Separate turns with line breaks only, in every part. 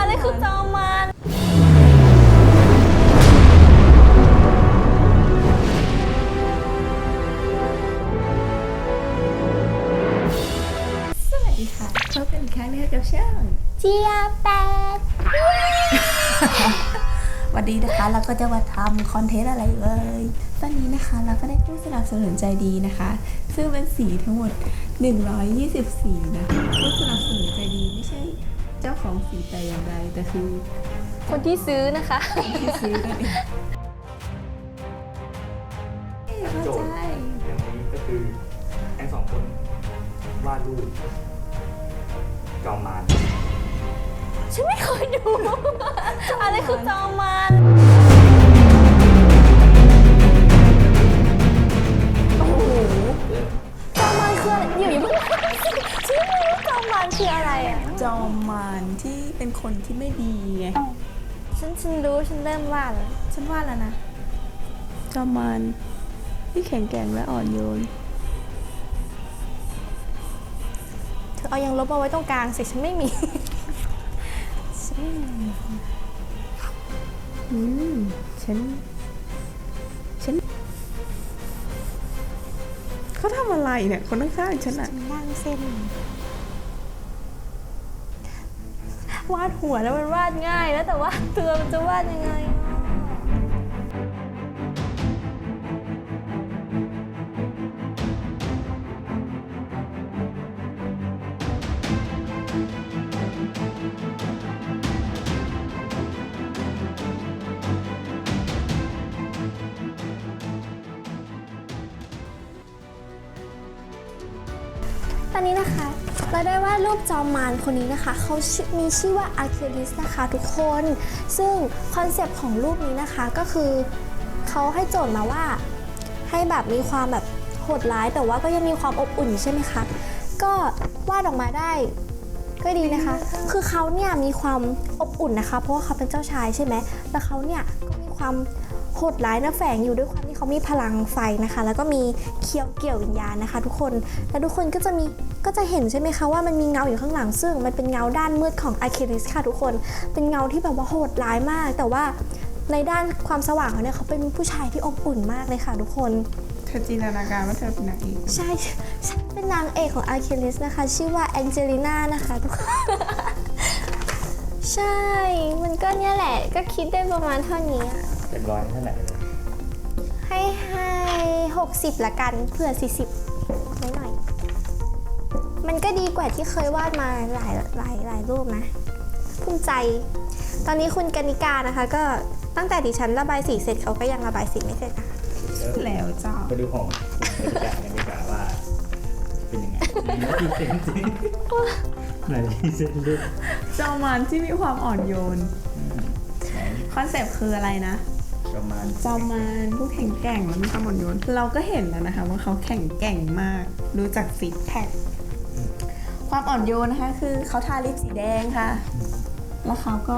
อะไรคือจอมมาร
สวัสดีค่ะพบกันอีกครั้งนะคะกับช่อง
เจียแปด
วันนี้นะคะเราก็จะมาทำคอนเทนต์อะไรตอนนี้นะคะเราก็ได้ผู้สนับสนุนใจดีนะคะ ซึ่งเป็นสีทั้งหมด120สีนะคะผู้สนับสนุนใจดีไม่ใช่เจ้าของสีแต่อย่างใดแต่คือ
คนที่ซื้อนะคะ
ที่ซื้อนั่นเองเข้า
โจท
ใจ
ย์อย่างนี้ก็คือทั้งสองคนวาดรูปจอมมาร
ฉันไม่เคยดู อะไรคือจอมมารโอ้โหจอมมารคืออะไรอยู่ๆเพิ่งฉันไม่รู้จอมมารคืออะไรอ่ะ
จอมมารที่เป็นคนที่ไม่ดีไง
ฉันรู้ฉันเริ่มวาดแล้ว
ฉันวาดแล้วนะจอมมารที่แข็งแกร่งและอ่อนโยน
เธอเอายังลบมาไว้ตรงกลางสิฉันไม่มี ฉันไม่มี
ฉันเขาทำอะไรเนี่ยคนข้างๆฉันอะ
ล่างเส้น วาดหัวแล้วมันวาดง่ายแล้วแต่ว่าตัวมันจะวาดยังไงอ่ะตอนนี้นะคะเราได้วาดรูปจอมมารคนนี้นะคะเขามีชื่อว่าอาร์คิลิสนะคะทุกคนซึ่งคอนเซปต์ของรูปนี้นะคะก็คือเขาให้โจทย์มาว่าให้แบบมีความแบบโหดร้ายแต่ว่าก็ยังมีความอบอุ่นใช่ไหมคะก็วาดออกมาได้ก็ดีนะคะคือเขาเนี่ยมีความอบอุ่นนะคะเพราะว่าเขาเป็นเจ้าชายใช่ไหมแล้วเขาเนี่ยก็มีความโหดร้ายนะแฝงอยู่ด้วยความที่เขามีพลังไฟนะคะแล้วก็มีเกี่ยววิญญาณนะคะทุกคนและทุกคนก็จะเห็นใช่ไหมคะว่ามันมีเงาอยู่ข้างหลังซึ่งมันเป็นเงาด้านมืดของอาร์คิลิสค่ะทุกคนเป็นเงาที่แบบว่าโหดร้ายมากแต่ว่าในด้านความสว่างเขาเนี่ยเขาเป็นผู้ชายที่อบอุ่นมากเลยค่ะทุกคน
เธอจินตนาการว่าเธอเป็นนางเอก
ใช่ฉันเป็นนางเอกของอาร์คิลิสนะคะชื่อว่าแองเจลิน่านะคะทุกคน ใช่มันก็เนี่ยแหละก็คิดได้ประมาณเท่านี้อะ
เป็นร้อยเท่าไหร่เลย
ให้60ละกันเผื่อ40หน่อยๆมันก็ดีกว่าที่เคยวาดมาหลายรูปนะภูมิใจ ตอนนี้คุณกนิกานะคะก็ตั้งแต่ดิฉันระบายสีเสร็จเขาก็ยังระบายสีไม่เสร็จนะคะ
แล้วจ้า
ไปดูของคุณบรรยากาศกันดีกว่าว่า เป็นยังไงไหนที่เซนสิไหนที่เซนรูป
จอมมารที่มีความอ่อนโยน
ไหน
คอนเซปต์คืออะไรนะ
จอมมาร
จอมมารผู้แข็งแกร่งและมีความอ่อนโยนเราก็เห็นแล้วนะคะว่าเขาแข็งแกร่งมากดูจากซิกแพคความอ่อนโยนนะคะคือเขาทาลิปสีแดงค่ะ แล้วเขาก็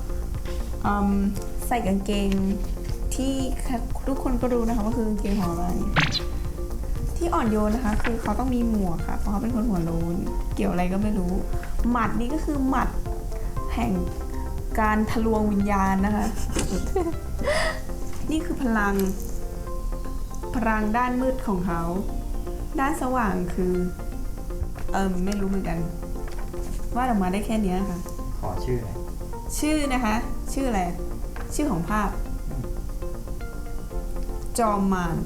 ใส่กางเกงที่ทุกคนก็รู้นะคะว่าคือกางเกงของอะไรที่อ่อนโยนนะคะคือเขาต้องมีหมวกค่ะเพราะเขาเป็นคนหัวโล้นเกี่ยวอะไรก็ไม่รู้หมัดนี่ก็คือหมัดแห่งการทะลวงวิญญาณนะคะ นี่คือพลังด้านมืดของเขาด้านสว่างคือไม่รู้เหมือนกันวาดออกมาได้แค่เนี้ยค่ะ
ขอชื่อหน่อย
ชื่อนะคะ ชื่ออะไร ชื่อของภาพ จอมมาร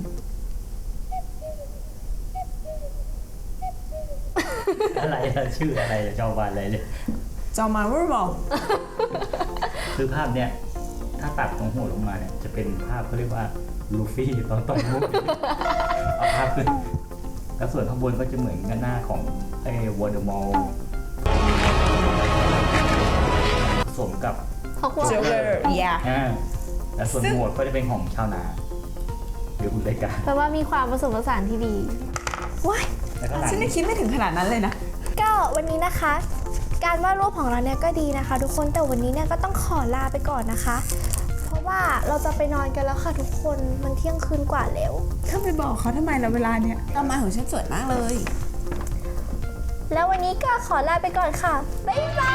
อะไรล่ะชื่ออะไรจอมมารอะไรเลย
จอมมารว่าบอก
คือภาพเนี้ยถ้าตัดตรงหัวลงมาเนี่ยจะเป็นภาพเขาเรียกว่าลูฟี่ตอนมุกเอาภาพขึ้นแล้วส่วนข้างบนก็จะเหมือนกันหน้าของไอ้วอร์เดอมอลผสมกับ
ฮอกวอต
เจ
ส์
อร์อย่า
และส่วนหมวดก็จะเป็นของชาวนาหรืออุตสาหกรรม
แปลว่ามีความผสมผสานที่ดีว้าย
แล้วก็หลัง
ฉันยังคิดไม่ถึงขนาดนั้นเลยนะ
ก็วันนี้นะคะ การวาดรูปของเราเนี่ยก็ดีนะคะ ทุกคนแต่วันนี้เนี่ยก็ต้องขอลาไปก่อนนะคะ เพราะว่าเราจะไปนอนกันแล้วค่ะทุกคนมันเที่ยงคืนกว่าแล้ว
ถ้าไปบอกเขาทำไมเราเวลาเนี้ยจอมมารของฉันสวยมากเลย
แล้ววันนี้ก็ขอลาไปก่อนค่ะบ๊ายบาย